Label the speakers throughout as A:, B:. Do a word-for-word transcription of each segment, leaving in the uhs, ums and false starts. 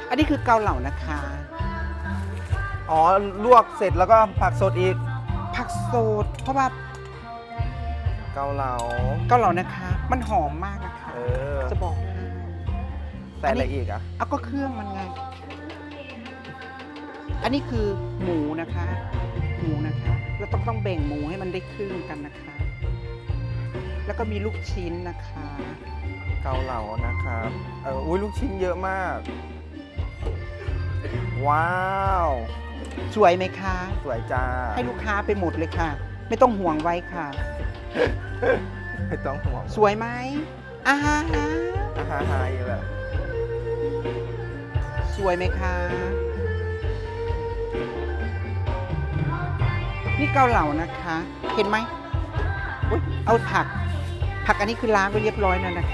A: อันนี้คือเกาเหลานะคะ
B: อ๋อลวกเสร็จแล้วก็ผักสดอีก
A: ผักสดเพราะว่า
B: เกาเหลา
A: เกาเหลานะคะ มันหอมมากนะคะ
B: เออ
A: จะบอกให้
B: ใส่อะไรอีกอ่ะ
A: เอาก็เครื่องมันไง อันนี้คือหมูนะคะ หมูนะคะเราต้องต้องแบ่งหมูให้มันได้ครึ่งกันนะคะ แล้วก็มีลูกชิ้นนะคะ
B: เกาเหลานะครับเอออุ้ยลูกชิ้นเยอะมาก ว้าว
A: สวยไหมคะ
B: สวยจ้า
A: ให้ลูกค้าไปหมดเลยค่ะ ไม่ต้องห่วงไว้ค่ะ
B: ไม่ต้องห่วง
A: สวยไหมอ่าฮะ
B: อาหารไฮแบบ
A: สวยไหมคะ นี่เกาเหลานะคะ เห็นไหมอุ๊ยเอาผัก ผักอันนี้คือล้างไปเรียบร้อยแล้วนะคะ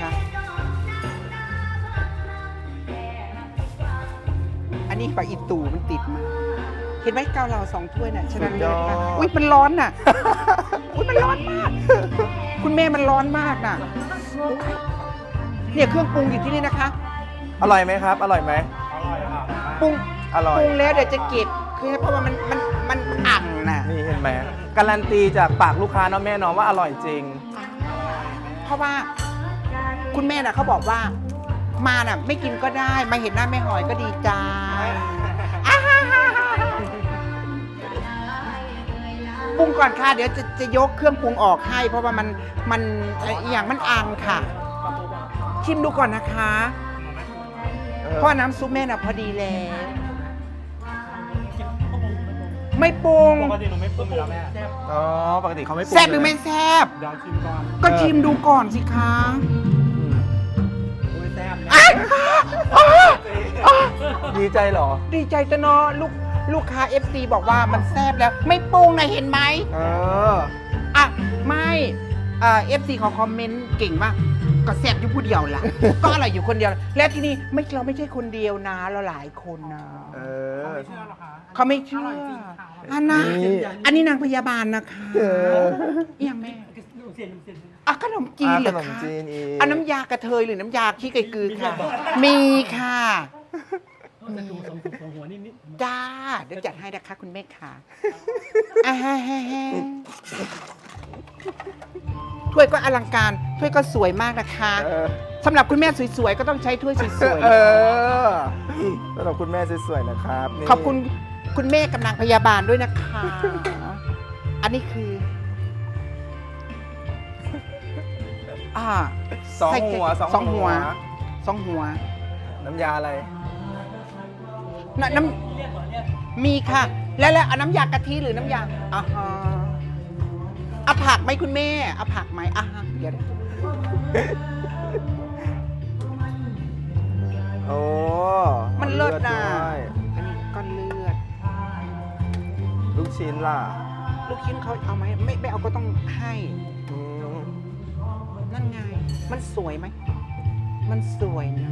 A: อันนี้ปลาอีตูมันติดมา เห็นไหมเกาเหลาสองถ้วยน่ะชนะเลิศมากอุ้ยมันร้อนน่ะ อุ้ยมันร้อนมาก คุณแม่มันร้อนมากน่ะอุ๊ยเนี่ยเครื่องปรุงอยู่ที่นี่นะคะ
B: อร่อยไหมครับ อร่อยไหม
A: ปรุง
B: อร่อย
A: ปรุงแล้วเดี๋ยวจะเก็บคือเพราะว่ามันมันมันอั่งน่ะ
B: นี่เห็นไหมการันตีจากปากลูกค้าเนาะแม่เนาะว่าอร่อยจริง
A: เพราะว่าคุณแม่น่ะเขาบอกว่ามาน่ะไม่กินก็ได้มาเห็นหน้าแม่หอยก็ดีใจอ่าฮ่าฮ่าฮ่าปรุงก่อนค่ะเดี๋ยวจะจะยกเครื่องปรุงออกให้ เพราะว่ามันมันไอ้อหย่างมันอังค่ะ ชิมดูก่อนนะคะ
B: เออ
A: เพราะว่าน้ำซุปแม่น่ะพอดีแล้ว ไม่ปรุง
C: ปกติหนูไม่ปรุงอยู่แล้วแม่
B: อ๋อปกติเขาไม่ปรุง
A: แซ่บหรือไม่แซ่บ
C: เดี๋ยวชิมก่อน
A: ก็ชิมดูก่อนสิคะ
B: อืม
C: อุ้ยแซ่บนะ
A: อ้ายอ้าวอ้าว
B: ดีใจเหรอ
A: ดีใจจะเนาะลูกลูกค้า เอฟ ซี บอกว่ามันแซ่บแล้ว ไม่ปรุงนะเห็นไหม
B: เออ
A: อ่ะ ไม่เอ่อฟซีเขาคอมเมนต์เก่งมาก ก็แซ่บอยู่ผู้เดียวล่ะ ก็อร่อยอยู่คนเดียว แล้วที่นี่ไม่เราไม่ใช่คนเดียวนะ เราหลายคนนะ
B: เออ
C: ไม่เชื่อหรอคะ
A: เขาไม่เชื่ออันนะ
B: นี่
A: อันนี้นางพยาบาลนะคะ
B: เออ
A: เอียงแม่
C: ดูเสียนดูเสียน
A: อ่ะขนมจีนเหรอ
B: ขนม
A: คะ
B: จีนอีก
A: อันน้ำยากระเทยหรือน้ำยาขี้ไก่กือค่ะ มีค่ะ
C: จะดูสองสองหัวนิดนิด
A: จ้า เดี๋ยวจัดให้นะคะคุณแม่ค่ะอ่าฮะฮะฮะถ้วยก็อลังการ ถ้วยก็สวยมากนะคะ
B: เออ
A: สำหรับคุณแม่สวยๆ ก็ต้องใช้ถ้วยสวย
B: เออสำหรับคุณแม่สวยๆนะครับนี่
A: ๆ ขอบคุณคุณแม่กำลังพยาบาลด้วยนะคะ อันนี้คือ อ่า
B: สองหัว
A: ใส่
B: สองหัว
A: สองหัว
B: น้ำยาอะไร
A: น้ำน้ำมีค่ะ แล้วแล้วเอาน้ำยากะทิหรือน้ำยาอ่าฮะเอาผักไหมคุณแม่เอาผักไหมอ่ะฮะเดี๋ยว
B: โอ้
A: มันเลิศนะ
B: ด้วย
A: อันนี้ก้อนเลือด
B: ลูกชิ้นล่ะ
A: ลูกชิ้นเขาเอาไหมไม่ไม่เอาก็ต้องให้
B: อืม
A: นั่นไง มันสวยไหม มันสวยนะ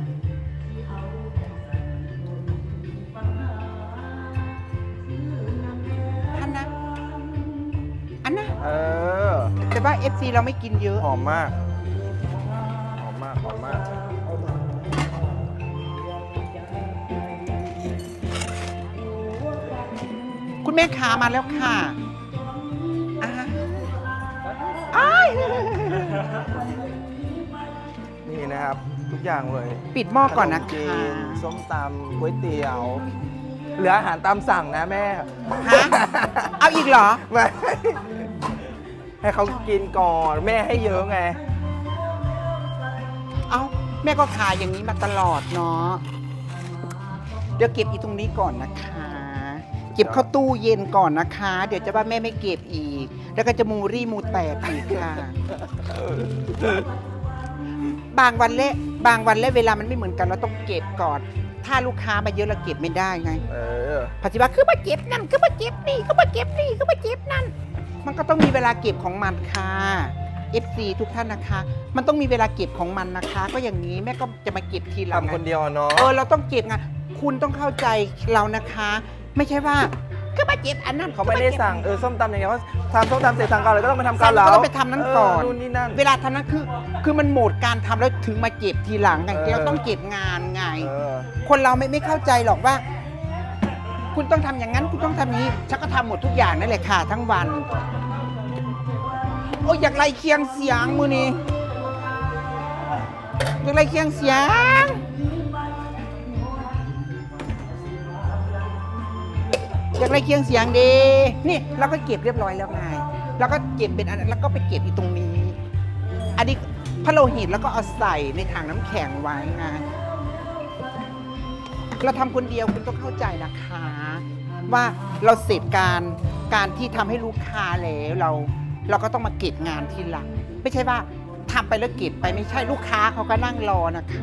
A: ท่านนะ อันนะ
B: เออ
A: แต่ว่า เอฟ ซี เราไม่กินเยอะ
B: หอมมาก หอมมาก หอมมาก
A: คุณแม่ขามาแล้วค่ะอ่าอ้าย
B: นี่นะครับ ทุกอย่างเลย
A: ปิดหม้อก่อนนะ
B: ขมจี
A: คะ
B: นส้มตำก๋วยเตี๋ยว เหลืออาหารตามสั่งนะแม่
A: ฮะ เอาอีกเหรอ
B: ไม่ ให้เขากินก่อน แม่ให้เยอะไง
A: เอาแม่ก็ขายอย่างนี้มาตลอดเนาะ เดี๋ยวเก็บอีตรงนี้ก่อนนะคะ เก็บเข้าตู้เย็นก่อนนะคะ เดี๋ยวจะว่าแม่ไม่เก็บอีก แล้วก็จะมูรี่มูแตกอีกค่ะ บางวันเละบางวันเละเวลามันไม่เหมือนกันเราต้องเก็บก่อน ถ้าลูกค้ามาเยอะเราเก็บไม่ได้ไง
B: เออ
A: ปัจจุบันคือมาเก็บนั่นคือมาเก็บนี่คือมาเก็บนี่คือมาเก็บนั่น มันก็ต้องมีเวลาเก็บของมันค่ะ เอฟ ซี ทุกท่านนะคะ มันต้องมีเวลาเก็บของมันนะคะ ก็อย่างนี้แม่ก็จะมาเก็บทีหลัง
B: ทำคนเดียวเนาะ
A: เออเราต้องเก็บไงคุณต้องเข้าใจเรานะคะ ไม่ใช่ว่าคือมาเจ็บอันนั้น
B: เขาไม่ได้สั่งเออส้มตำอย่างเงี้ยเขาทำส้มตำเสร็จสั่งเกาเหลาก็ต้องไปทำ
A: สั่
B: เกาง เหลา
A: ก็ต้องไปทำนั้นก่อน
B: เนู่นนี่นั่น
A: เวลาทำนั้นคือ คือมันโหมดการทำแล้วถึงมาเจ็บทีหลังไง
B: เออ
A: เราต้องเก็บงานไง
B: เออ
A: คนเราไม่ไม่เข้าใจหรอกว่า คุณต้องทำอย่างนั้นคุณต้องทำอย่างนี้ฉันก็ทำหมดทุกอย่างนั่นแหละค่ะทั้งวัน โอ้ยอยากไล่เคียงเสียงมือนี้อยากไล่เคียงเสียงอยากไล่เคียงเสียงดีนี่เราก็เก็บเรียบร้อยแล้วไงเราก็เก็บเป็นอันนั้นแล้วก็ไปเก็บอยู่ตรงนี้ อันนี้พะโลหิตแล้วก็เอาใส่ในถังน้ำแข็งไว้ไงเราทำคนเดียวคุณต้องเข้าใจนะคะ ว่าเราเสร็จการการที่ทำให้ลูกค้าแล้วเรา เราก็ต้องมาเก็บงานทีหลัง ไม่ใช่ว่าทำไปแล้วเก็บไปไม่ใช่ลูกค้าเขาก็นั่งรอนะคะ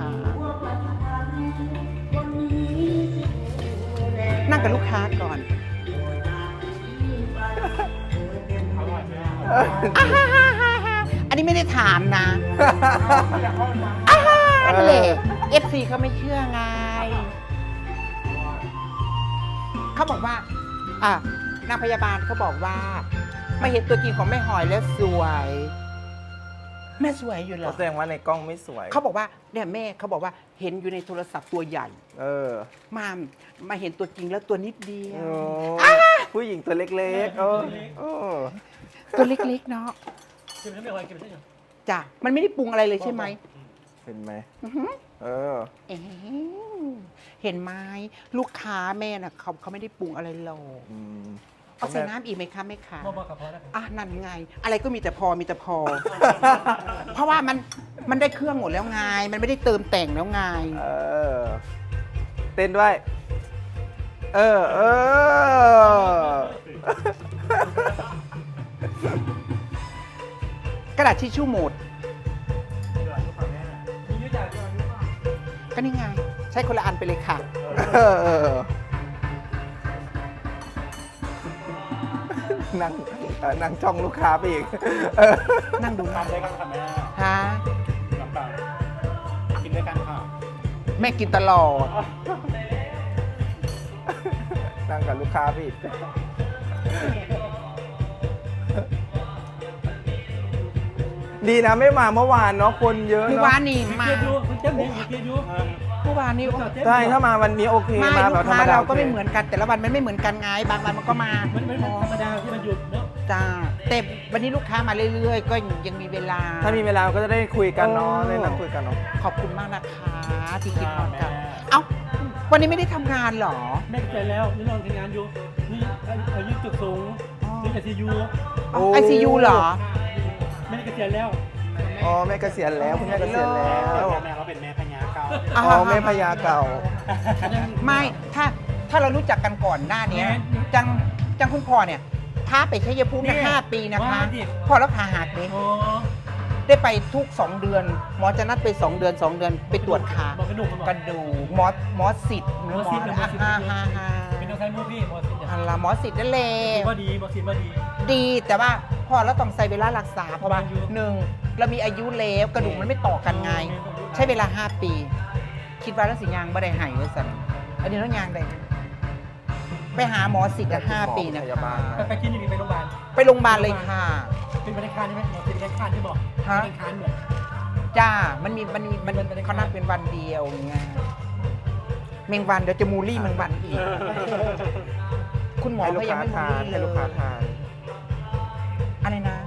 A: นั่งกับลูกค้าก่อนอ่าฮ่าฮ่าฮ่าฮ่าอันนี้ไม่ได้ถามนะอ่าฮ่านั่นแหละ เอฟ ซี เขาไม่เชื่อไง เขาบอกว่า อ่ะนางพยาบาลเขาบอกว่ามาเห็นตัวจริงของแม่หอยแล้วสวย แม่สวยอยู่เหรอ
B: แสดงว่าในกล้องไม่สวย
A: เขาบอกว่าเนี่ยแม่เขาบอกว่าเห็นอยู่ในโทรศัพท์ตัวใหญ่
B: เออ
A: มามาเห็นตัวจริงแล้วตัวนิดเดียว
B: โอ้ผู้หญิงตัวเล็กๆเออเออ
A: ตัวเล็กๆเนาะ
C: เก็บไปไม่ไหวเก็บไปใช่ไหม
A: จ้ะมันไม่ได้ปรุงอะไรเลยใช่ไหม
B: เห็นไหม
A: อื้อหือ
B: เออ
A: เอ๊ะเห็นไหมลูกค้าแม่น่ะเขาเขาไม่ได้ปรุงอะไรหรอก
B: อืม
A: เอาใส่น้ำอีกไหมคะแม่คะ
C: มอบอกกับพอแล้ว
A: อ่ะนั่นไง อะไรก็มีแต่พอมีแต่พอ เพราะว่ามันมันได้เครื่องหมดแล้วไงมันไม่ได้เติมแต่งแล้วไง
B: เออ เต้นด้วย เออ เออ
A: กระดาษทิชชู่หมด
C: มียุทธจักรก่อน
A: ก็นี่ไง ใช้คนละอันไปเลยค่ะ
B: เออเออนั่งเออนั่งจ้องลูกค้าไปอีกเออ
A: นั่งดู
C: ทำด้วยกันค่ะแม่
A: ฮะ
C: ลำบากกินด้วยกันค่ะ
A: แม่กินตลอด
B: นั่งกับลูกค้าไปอีกดีนะไม่มาเมื่อวานเนาะคนเยอะ
A: เมื่อ
B: เนาะ
A: วานนี่มา
C: เกียร์ยูคุณเจ้าหนี้เกียร์ยู
A: เมื่อวานนี้
B: ใช่ถ้ามาวันนี้โอเค
A: ไม่
B: มา
A: ลู
B: แบบ
A: ก
B: ธร
A: ค้าร
B: มดา
A: เราก็
B: โอค
A: ไม่เหมือนกันแต่ละวันมันไม่เหมือนกันไงบางวันมันก็มา
C: มันมันธรรมดาที่มันหยุดเนาะ
A: จ้าแต่วันนี้ลูกค้ามาเรื่อยๆ ก็ยังมีเวลา
B: ถ้ามีเวลาก็จะได้คุยกันเนาะ
A: เออ
B: ได้นั่งคุยกันเนาะ
A: ขอบคุณมากนะคะที่คิดพอกัน เอ้า วันนี้ไม่ได้ทำงานเหรอ
C: แม่ใจแล้วนี่นอนทำงานอยู่นี่อายุจุดสูงนี่ไอซียู
A: ไอซียูเหรอ
C: แม่เกษียณแล้ว
B: อ๋อแม่เกษียณแล้วคุณแม่เกษียณแล้ว
C: แม่เขาเป็นแม่พญาเก่า
B: อ๋อแม่พญาเก่า
A: ไม่ ถ้า ถ้าเรารู้จักกันก่อนหน้านี้จัง จังคุณพ่อเนี่ยพาไปชัยภูมิเนี่ยห้าปีนะคะ พ่อแล้วขาหักเลย
C: โอ้
A: ได้ไปทุกสองเดือน หมอจะนัดไปสองเดือนสองเดือนไปตรวจขา
C: บอกกระดูก
A: กระดูกหมอหมอสิทธิ์
C: หมอสิทธิ์
A: อ่าฮ่าฮ่าฮ่า
C: เป็นน้องชายมูพี่หมอสิทธิ์
A: อันละหมอสิทธิ์นั่นแหละ
C: ว่าดีหมอสิทธิ์ว่าดี
A: ดีแต่ว่าพอเราต้องใช้เวลารักษาเพราะว่า
C: อายุ
A: หนึ่งเรามีอายุแล้วกระดูกมันไม่ต่อกันไง ใช้เวลาห้าปี คิดว่าแล้วสิยางบ่ได้หายไว้สั่นอันนี้ต้องยางได้ไปหาหมอสิทธิ์อะห้าปีนะ
B: พยาบาล
C: ไปไปคลินิกไปโรงพยาบาล
A: ไปโรงพยาบาลเลยค่ะ
C: เป็นบริการใช่ไหมหมอสิทธิ์บริการที่บอก
A: ฮะ
C: บริการเหมือน
A: จ้า มันมีมันมีมัน
C: มันเป็น
A: เขานัดเป็นวันเดียวไงเมงวันเดี๋ยวจะมูลี่เมงวันอีก คุณหมอ
B: ให้ลูก
A: เขายัง
B: ค้า
A: ไม่มู
B: ทาน
A: ลี่
B: ให้
A: เล
B: ลูกค้าย ทาน
A: อะไรนะ